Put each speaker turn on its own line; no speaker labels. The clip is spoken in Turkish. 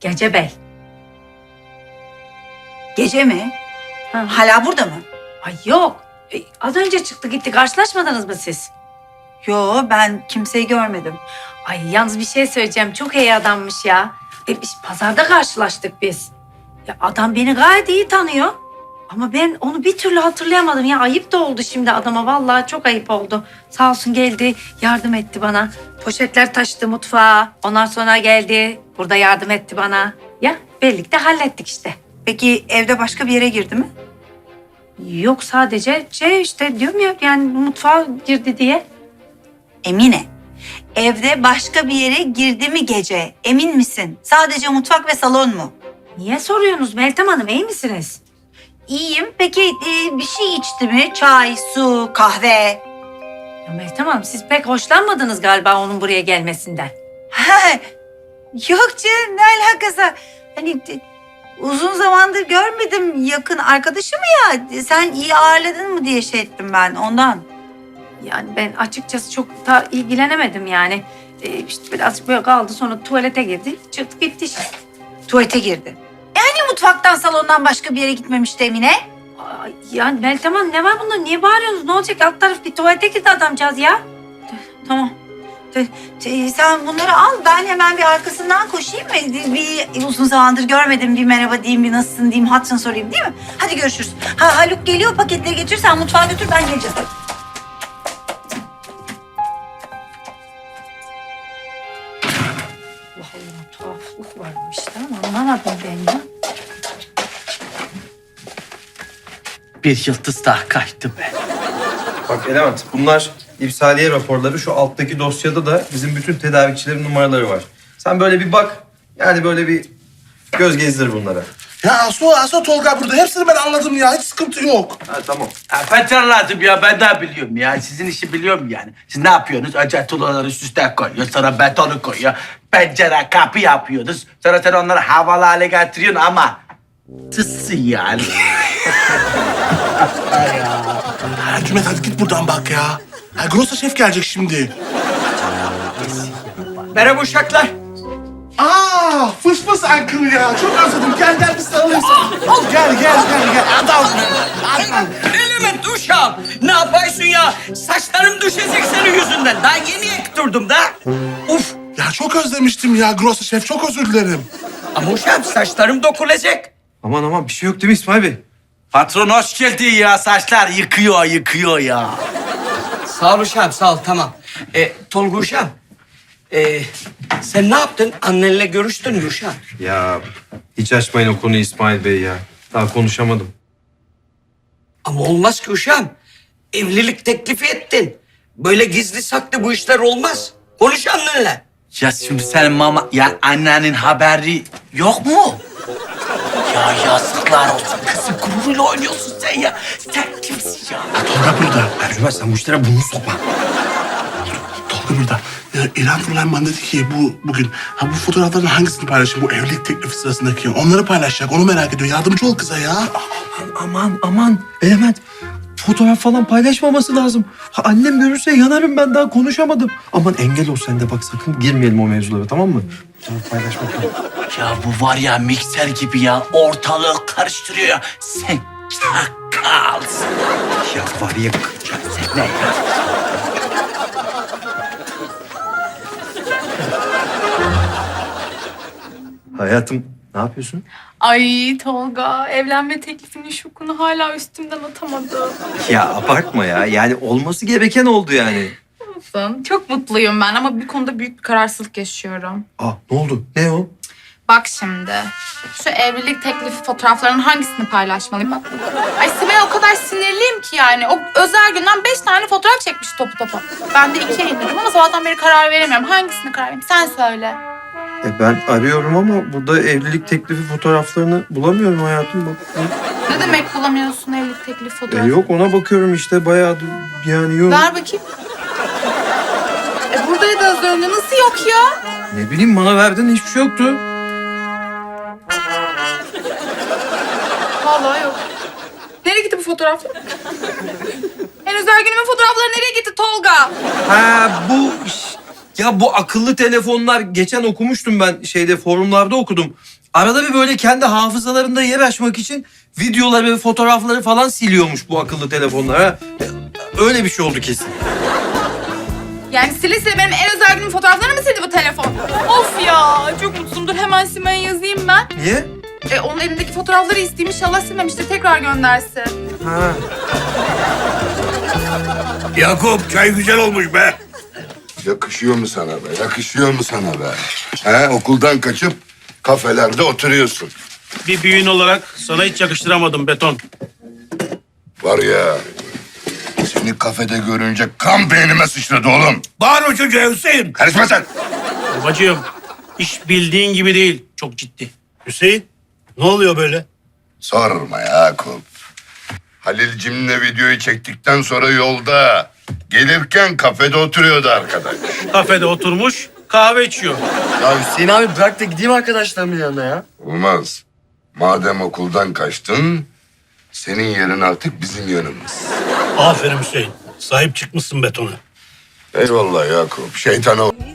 Gece Bey.
Gece mi?
Ha.
Hala burada mı?
Ay yok. Az önce çıktı gitti. Karşılaşmadınız mı siz?
Yo, ben kimseyi görmedim.
Ay yalnız bir şey söyleyeceğim. Çok iyi adammış ya. Biz pazarda karşılaştık biz. Ya adam beni gayet iyi tanıyor. Ama ben onu bir türlü hatırlayamadım. Ya ayıp da oldu şimdi adama. Vallahi çok ayıp oldu. Sağ olsun geldi, yardım etti bana. Poşetler taşıdı mutfağa. Ondan sonra geldi. Burada yardım etti bana. Ya birlikte hallettik işte.
Peki evde başka bir yere girdi mi?
Yok sadece işte diyorum ya yani mutfağa girdi diye.
Emine, evde başka bir yere girdi mi gece? Emin misin? Sadece mutfak ve salon mu?
Niye soruyorsunuz Meltem Hanım, iyi misiniz?
İyiyim. Peki bir şey içti mi? Çay, su, kahve?
Ya Meltem Hanım siz pek hoşlanmadınız galiba onun buraya gelmesinden.
Ha, yok canım, ne alakası? Hani uzun zamandır görmedim, yakın arkadaşım ya. Sen iyi ağırladın mı diye şey ettim ben ondan.
Yani ben açıkçası çok da ilgilenemedim yani. İşte birazcık böyle kaldı sonra tuvalete girdi çıktı gitti işte.
Tuvalete girdi. Yani mutfaktan salondan başka bir yere gitmemişti Emine.
Ay, yani Meltem Hanım ne var bunda niye bağırıyorsunuz? Ne olacak alt taraf bir tuvalete girdi adamcağız ya.
Tamam. Sen bunları al, ben hemen bir arkasından koşayım mı? Bir uzun zamandır görmedim, bir merhaba diyeyim, bir nasılsın diyeyim, hatırını sorayım değil mi? Hadi görüşürüz. Ha, Haluk geliyor, paketleri getir, sen mutfağa götür, ben geleceğiz.
Allah Allah tuhaflık varmış ama anlamadım ben ya.
Bir yıldız daha kaçtı be.
Bak Element, bunlar ipsaliye raporları. Şu alttaki dosyada da bizim bütün tedarikçilerin numaraları var. Sen böyle bir bak, yani böyle bir göz gezdir bunlara.
Ya Aso Tolga burada. Hepsini ben anladım ya. Hiç sıkıntı yok.
Ha tamam.
Ben lazım ya, ben de biliyorum ya. Sizin işi biliyorum yani. Siz ne yapıyorsunuz? Önce tuğlaları üst üste koyuyor, sonra betonu koyuyor. Pencere, kapı yapıyorsunuz. Sonra sen onları havalı hale getiriyorsun ama... Tıssın yani.
Ha, Cümet hadi git buradan bak ya. Ha, Grossa şef gelecek şimdi.
Merhaba uşaklar.
Fıs fıs Uncle ya. Çok özledim. Gel bir sarılayım sana. Gel. Adam.
Element uşağım. Ne yapıyorsun ya? Saçlarım düşecek senin yüzünden. Daha yeni ektiridim da. Uf.
Ya çok özlemiştim ya Grossa şef. Çok özür dilerim.
Ama uşağım saçlarım dokunacak.
Aman bir şey yok değil mi İsmail Bey?
Patron hoş geldin ya. Saçlar yıkıyor ya.
Sağ ol uşağım sağ ol tamam. Tolga uşağım. Sen ne yaptın? Annenle görüştün mü uşağım?
Ya hiç açmayın o konuyu İsmail Bey ya. Daha konuşamadım.
Ama olmaz ki uşağım. Evlilik teklifi ettin. Böyle gizli saklı bu işler olmaz. Konuş annenle.
Ya şimdi senin mama... Ya annenin haberi yok mu? Ya yazıklar olsun. Kızım gururuyla oynuyorsun sen ya. Sen kimsin ya?
Tolga burada.
Ercüment sen bu işlere burnunu sokma.
Tolga burada. Ya, İrem Fırlan bana dedi ki bugün bu fotoğrafların hangisini paylaşayım? Bu evlilik teklifi sırasındaki. Onları paylaşacak. Onu merak ediyor. Yardımcı ol kıza ya.
Aman Element. Fotoğraf falan paylaşmaması lazım. Ha, annem görürse yanarım, ben daha konuşamadım. Aman engel ol sen de, bak sakın girmeyelim o mevzulara, tamam mı? Fotoğraf paylaşmak yok.
Ya bu var ya mikser gibi ya. Ortalığı karıştırıyor ya. Sen çakalsın.
Ya var ya.
Sen ne ya?
Hayatım ne yapıyorsun?
Ay Tolga, evlenme teklifinin şokunu hala üstümden atamadım.
Ya abartma ya. Yani olması gereken oldu yani.
Olsun, çok mutluyum ben ama bir konuda büyük bir kararsızlık yaşıyorum.
Ne oldu? Ne o?
Bak şimdi, şu evlilik teklifi fotoğraflarının hangisini paylaşmalıyım? Bak. Ay Sibel o kadar sinirliyim ki yani. O özel günden 5 tane fotoğraf çekmiş topu topu. Ben de 2'ye indirdim ama sabahtan beri karar veremiyorum. Hangisini karar vereyim? Sen söyle.
Ben arıyorum ama burada evlilik teklifi fotoğraflarını bulamıyorum hayatım. Bak.
Ne demek bulamıyorsun evlilik teklifi fotoğrafı?
Yok, ona bakıyorum işte, bayağı yani yok.
Ver bakayım. Buradaydı az önce. Nasıl yok ya?
Ne bileyim, bana verdin, hiçbir şey yoktu.
Vallahi yok. Nereye gitti bu fotoğraflar? En özel günümün fotoğrafları nereye gitti Tolga?
Ha bu Ya bu akıllı telefonlar geçen okumuştum ben forumlarda okudum. Arada bir böyle kendi hafızalarında yer açmak için videoları ve fotoğrafları falan siliyormuş bu akıllı telefonlar. Ha. Öyle bir şey oldu kesin.
Yani sile sile benim en özel günüm fotoğraflarını mı sildi bu telefon? Of ya çok mutsuzumdur. Hemen Simay'a yazayım ben.
Niye?
Onun elindeki fotoğrafları isteyeyim. İnşallah silmemiştir. Tekrar göndersin.
Ha.
Yakup çay güzel olmuş be.
Yakışıyor mu sana be? Yakışıyor mu sana be? He, okuldan kaçıp kafelerde oturuyorsun.
Bir büyüğün olarak sana hiç yakıştıramadım beton.
Var ya, seni kafede görünce kan beynime sıçradı oğlum.
Bağırma çocuğa Hüseyin.
Karışma sen.
Babacığım, iş bildiğin gibi değil. Çok ciddi.
Hüseyin ne oluyor böyle?
Sorma Yakup. Halil'cimle videoyu çektikten sonra yolda gelirken kafede oturuyordu arkadaş.
Kafede oturmuş, kahve içiyor.
Ya Hüseyin abi bırak da gideyim arkadaşlarımın yanına ya.
Olmaz. Madem okuldan kaçtın, senin yerin artık bizim yanımız.
Aferin Hüseyin. Sahip çıkmışsın betona.
Eyvallah Yakup. Şeytana